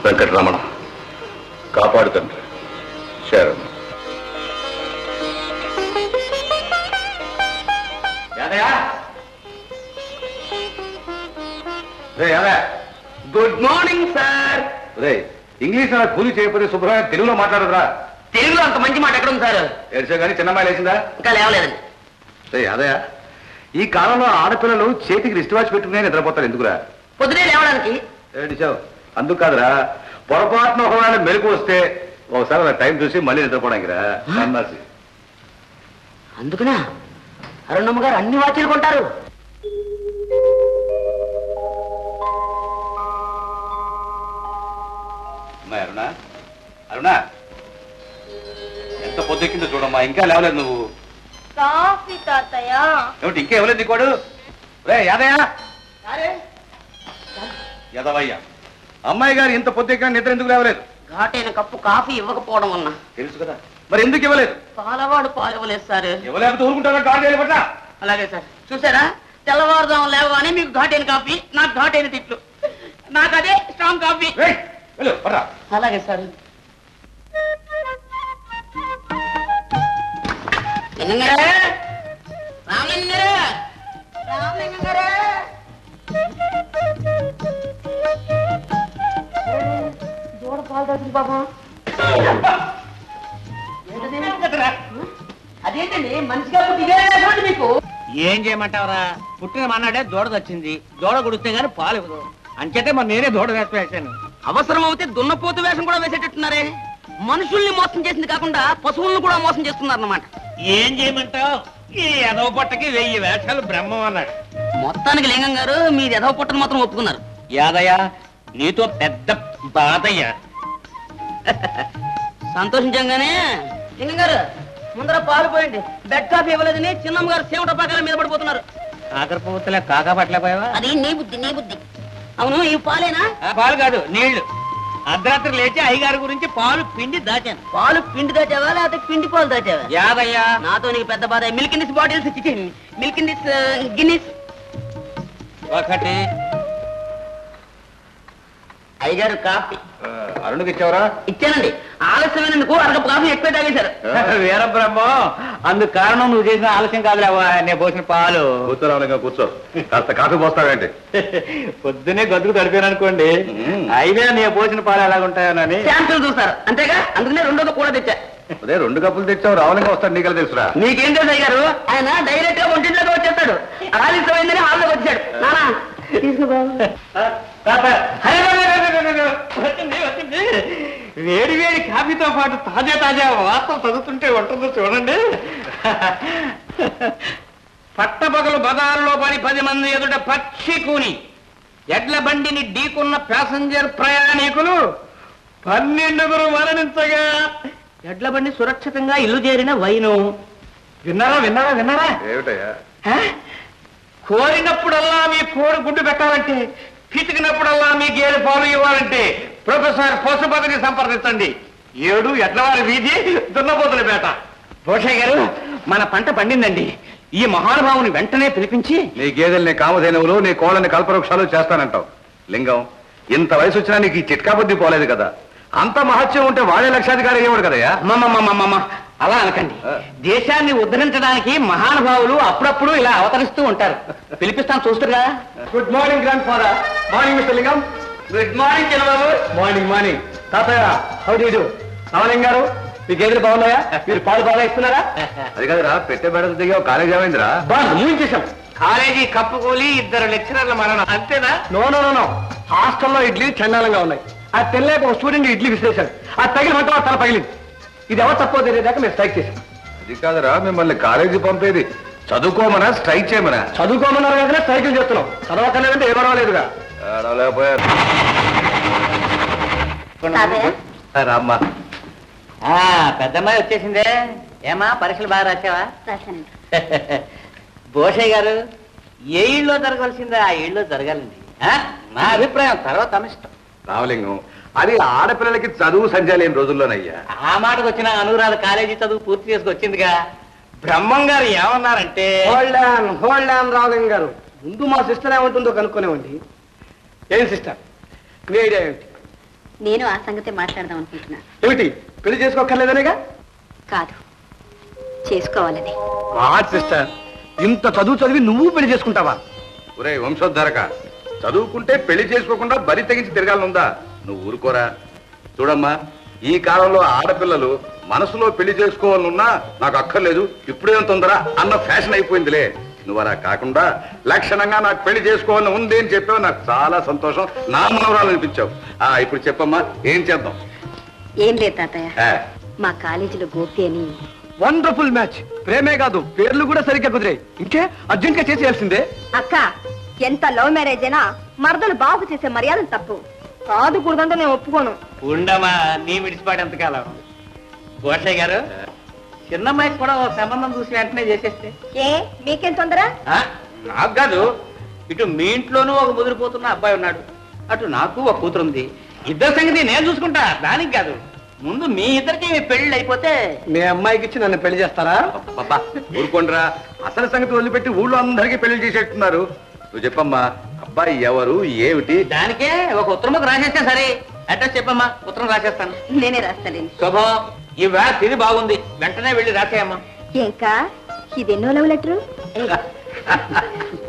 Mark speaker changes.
Speaker 1: వెంకటరమణ కాపాడు తండ్రి. శరణ్.
Speaker 2: Good morning sir.
Speaker 1: ఇంగ్లీష్ కూలి చేయకపోతే శుభ్రంగా తెలుగులో మాట్లాడదురా.
Speaker 2: తెలుగులో అంత మంచి మాట ఎక్కడ ఉంది సార్?
Speaker 1: ఏడ్చా కానీ చిన్నమ్మాయి లేచిందా?
Speaker 2: ఇంకా లేవలేదండి.
Speaker 1: అదే ఈ కాలంలో ఆడపిల్లలు చేతికి రిస్ట్ వాచ్ పెట్టుకునే నిద్రపోతారు. ఎందుకురా?
Speaker 2: పొద్దునే లేవడానికి.
Speaker 1: ఏడిచావు? అందుకు కాదురా, పొరపాటున ఒకవేళ మెలకు వస్తే ఒకసారి టైం చూసి మళ్ళీ నిద్రపోవడానికి రా.
Speaker 2: అందుకనా అరుణమ్మ గారు అన్ని వాచీలు కొంటారు?
Speaker 1: అరుణా, అరుణా ఎంత పొద్దుకిందో చూడమ్మా, ఇంకా లేవలేదు నువ్వు. ఏమిటి ఇంకా ఇవ్వలేదు నీకోడు? రే యాదయ్య, యదవయ్య, అమ్మాయి గారు ఇంత పొద్దుకిన నిద్ర ఎందుకు లేవలేదు?
Speaker 2: ఘాటైన కప్పు కాఫీ ఇవ్వకపోవడం వల్ల.
Speaker 1: తెలుసు కదా, మరి ఎందుకు ఇవ్వలేదు?
Speaker 2: పాలవాడు పాలు ఇవ్వలేదు సార్.
Speaker 1: ఇవ్వలేకపోతే ఊరుకుంటారా? గాడి పట్ల.
Speaker 2: అలాగే సార్. చూసారా, తెల్లవారుదాం లేవగానే మీకు ఘాటైన కాఫీ, నాకు ఘాటైన తిట్లు. నాకు అదే స్ట్రాంగ్ కాఫీ. అలాగే సార్. దూడ పాలు తాగింది బాబా. అదేంటండి మనిషిగా పుట్టి మీకు?
Speaker 3: ఏం చేయమంటావరా, పుట్టిన మన్నాడే దూడ వచ్చింది. దూడ గుడిస్తే గానీ పాలు ఇవ్వదు. అంచేతే మరి నేనే దూడ వేసి వేసాను.
Speaker 2: అవసరం అవుతే దున్నపోతు వేషం కూడా వేసేటట్టున్నారే. మనుషుల్ని మోసం చేసింది కాకుండా పశువులను కూడా మోసం చేస్తున్నారు అన్నమాట.
Speaker 3: ఏం చేయమంటావు, ఈ ఎదవ పొట్టకి 1000 వేషాలు బ్రహ్మం అన్నాడు.
Speaker 2: మొత్తానికి లింగం గారు మీరు ఎదవ పుట్టను మాత్రం ఒప్పుకున్నారు.
Speaker 3: యాదయ్య, నీతో పెద్ద బాధయ్యా.
Speaker 2: సంతోషించంగానే లింగం గారు ముందర పాలు పోయండి. బెడ్ కాఫీ ఇవ్వలేదని చిన్నమ్మ గారు సేవట పాకాల మీద పడిపోతున్నారు.
Speaker 3: కాకర పువ్వుతలే కాకా పట్టలేపోయావా?
Speaker 2: అది నీ బుద్ధి, నీ బుద్ధి. అవును, ఈ పాలేనా?
Speaker 3: పాలు కాదు, నీళ్లు. అర్ధరాత్రి లేచి అయ్యగారి గురించి పాలు పిండి దాచాను.
Speaker 2: పాలు పిండి దాచావా లేకపోతే పిండి పాలు దాచావా?
Speaker 3: యాదయ్య,
Speaker 2: నాతో నీకు పెద్ద బాధ. Milk in this bottles, milk in this గిన్నీస్.
Speaker 3: ఒకటి.
Speaker 2: అయ్యగారు కాఫీ.
Speaker 1: అరుణుకి ఇచ్చావరా?
Speaker 2: ఇచ్చానండి. ఆలస్యమైనందుకు అరగపు కాఫీ ఎక్కువ తాగేశారు.
Speaker 3: వీరబ్రహ్మం, అందుకు కారణం నువ్వు చేసిన ఆలస్యం కాదులేవా, నేను పోసిన పాలు.
Speaker 1: కూర్చోరావుగా కూర్చో. కాస్త కాఫీ పోస్తావేంటి?
Speaker 3: పొద్దునే గదుకు తడిపాను అనుకోండి, అయినా నేను పోసిన పాలు ఎలాగుంటాయోనని
Speaker 2: శాంతులు చూస్తారు అంతేగా. అందుకనే రెండోది కూడా తెచ్చా.
Speaker 1: అదే 2 కప్పులు తెచ్చావు, రావులంగా వస్తాడు. నీకెలా తెలుసురా?
Speaker 2: నీకేం తెలుసు అయ్యారు? ఆయన డైరెక్ట్ గా ఒంటింట్లోకి వచ్చేస్తాడు. ఆలస్యమైందని హాల్లోకి వచ్చాడు. నానా
Speaker 3: వేడి వేడి కాఫీతో పాటు తాజా తాజా వార్తలు చదువుతుంటే ఉంటుందో చూడండి. పట్టపగలు బజారులో పడి 10 మంది ఎదుట పక్షి కూని ఎడ్ల బండిని ఢీకున్న ప్యాసింజర్ ప్రయాణికులు 12 మరణించగా ఎడ్ల బండి సురక్షితంగా ఇల్లు చేరిన వైను. విన్నారా విన్నారా విన్నారా?
Speaker 1: ఏమిటయ్యా?
Speaker 3: కోరినప్పుడల్లా మీ కోడి గుడ్డు పెట్టాలంటే, పితికినప్పుడల్లా మీ గేదె పాలు ఇవ్వాలంటే ప్రొఫెసర్ పశుపతిని సంప్రదించండి. 7 ఎడ్లవారి వీధి, దున్నపోతులపేట. భూషయ్య గారు, మన పంట పండిందండి. ఈ మహానుభావుని వెంటనే పిలిపించి
Speaker 1: నీ గేదెల్ని కామధేనువులు, నీ కోళ్ళని కల్పవృక్షాలు చేస్తానంటావు. లింగం, ఇంత వయసు వచ్చినా నీకు ఈ చిట్కా బుద్ధి పోలేదు కదా. అంత మహత్యం ఉంటే వాడే లక్షాధికారి అయ్యేవాడు కదయ్యా.
Speaker 3: మమ్మమ్మ అలా అనకండి. దేశాన్ని ఉద్ధరించడానికి మహానుభావులు అప్పుడప్పుడు ఇలా అవతరిస్తూ ఉంటారు. పిలిపిస్తాను, చూస్తున్నా.
Speaker 1: Good morning grand father. Morning mister Lingam.
Speaker 2: Good morning చిన్నబాబు.
Speaker 1: Morning morning. తాతయ్య, how do you do? Ramalingam garu, మీ గేదెలు బాగున్నాయా? మీరు పాలు బాగా ఇస్తున్నారా? అది కదరా, పెట్టే బెడత దిగా కాలేజ్ ఏమైందిరా?
Speaker 3: బాగా మూయించేశాం. కాలేజీ కప్పుకూలి 2 లెక్చరర్ల మరణం, అంతేనా?
Speaker 1: No no no no. హాస్టల్లో ఇడ్లీ చండాలంగా ఉన్నాయి. ఆ తెల్లేక ఒక స్టూడెంట్ ఇడ్లీ విసిరేశాడు. ఆ తగిలి మంట తల పగిలింది. ఇది ఎవరు తప్పో తెలియదాకా మేము స్ట్రైక్ చేశాం. అది కాదురా, మిమ్మల్ని కాలేజీ పంపేది చదువుకోమనా స్ట్రైక్ చేయమనా? చదువుకోమన్నారు కదా స్ట్రైకులు చేస్తున్నాం. చదవకలేదంటే ఏ పర్వాలేదుగా. రామ్మా.
Speaker 3: పెద్దమ్మాయి వచ్చేసిందే. ఏమా, పరీక్షలు బాగా రాసావా? భూషయ్య గారు, ఏ ఇళ్ళలో జరగవలసిందో ఆ ఇళ్ళలో జరగాలండి. నా అభిప్రాయం, తర్వాత అనిష్టం.
Speaker 1: రామలింగం, అది ఆడపిల్లలకి చదువు సంధ్య లేని రోజుల్లోనయ్యా.
Speaker 3: ఆ మాటకు వచ్చిన అనురాధ కాలేజీ చదువు పూర్తి చేసుకొచ్చిందిగా. బ్రహ్మం గారు ఏమన్నారంటే,
Speaker 4: హోల్డ్ ఆన్ రామలింగం గారు, ముందు మా సిస్టర్ ఏమంటుందో కనుక్కునేవండి. ఏం సిస్టర్, మీ ఐడియా ఏమిటి?
Speaker 5: నేను ఆ సంగతే మాట్లాడదాం అనుకుంటున్నా.
Speaker 1: ఏమిటి పెళ్లి చేసుకోక్కర్లేదనేగా?
Speaker 5: కాదు, చేసుకోవాలని.
Speaker 1: సిస్టర్, ఇంత చదువు చదివి నువ్వు పెళ్లి చేసుకుంటావా?
Speaker 6: ఒరే వంశోద్ధారక, చదువుకుంటే పెళ్లి చేసుకోకుండా బరి తెగించి తిరగాలనుందా? నువ్వు ఊరుకోరా. చూడమ్మా, ఈ కాలంలో ఆడపిల్లలు మనసులో పెళ్లి చేసుకోవాలనున్నా నాకు అక్కర్లేదు, ఇప్పుడేం తొందర అన్న ఫ్యాషన్ అయిపోయిందిలే. నువ్వు అలా కాకుండా లక్షణంగా నాకు పెళ్లి చేసుకోవాలని ఉంది అని చెప్పావు. నాకు చాలా సంతోషం. నా మనవరాలు అనిపించావు. ఇప్పుడు చెప్పమ్మా, ఏం చేద్దాం?
Speaker 5: ఏం లేదు తాతయ్య, మా కాలేజీలో గోపి అని.
Speaker 1: Wonderful match. ప్రేమే కాదు, పేర్లు కూడా సరిగ్గా కుదిరాయి. ఇంకే అర్జెంట్ గా చేసేయాల్సిందే.
Speaker 5: అక్క, ఎంత లవ్ మ్యారేజ్ అయినా మరదలు బాబు చేసే మర్యాదలు తప్పు కాదు. కూడదంటే నేను ఒప్పుకోను.
Speaker 3: ఉండమా, నీ విడిచిపాటు ఎంతకాలం? గోషయ్య గారు, చిన్నమ్మాయికి కూడా ఓ సంబంధం చూసి వెంటనే చేసేస్తే.
Speaker 5: ఏ మీకేం తొందర?
Speaker 3: నాకు కాదు, ఇటు మీ ఇంట్లోనూ ఒక ముదిరిపోతున్న అబ్బాయి ఉన్నాడు, అటు నాకు ఒక కూతురుంది. ఇద్దరు సంగతి నేను చూసుకుంటా, దానికి కాదు. ముందు మీ ఇద్దరికి పెళ్లి అయిపోతే
Speaker 1: మీ అమ్మాయికి ఇచ్చి నన్ను పెళ్లి చేస్తారా?
Speaker 6: బాబా ఊరుకోండిరా, అసలు సంగతి వదిలిపెట్టి ఊళ్ళో అందరికీ పెళ్లి చేసేట్టున్నారు. నువ్వు చెప్పమ్మా, అబ్బాయి ఎవరు, ఏమిటి?
Speaker 3: దానికే ఒక ఉత్తరం రాసేస్తే సరే. అడ్రస్ చెప్పమ్మా, ఉత్తరం రాసేస్తాను.
Speaker 5: నేనే రాస్తాలేండి.
Speaker 3: శుభం, ఈ వేళ తిరిగి బాగుంది, వెంటనే వెళ్ళి రాసేయమ్మా.
Speaker 5: ఇంకా ఇదెన్నో లవ్ లెటరు?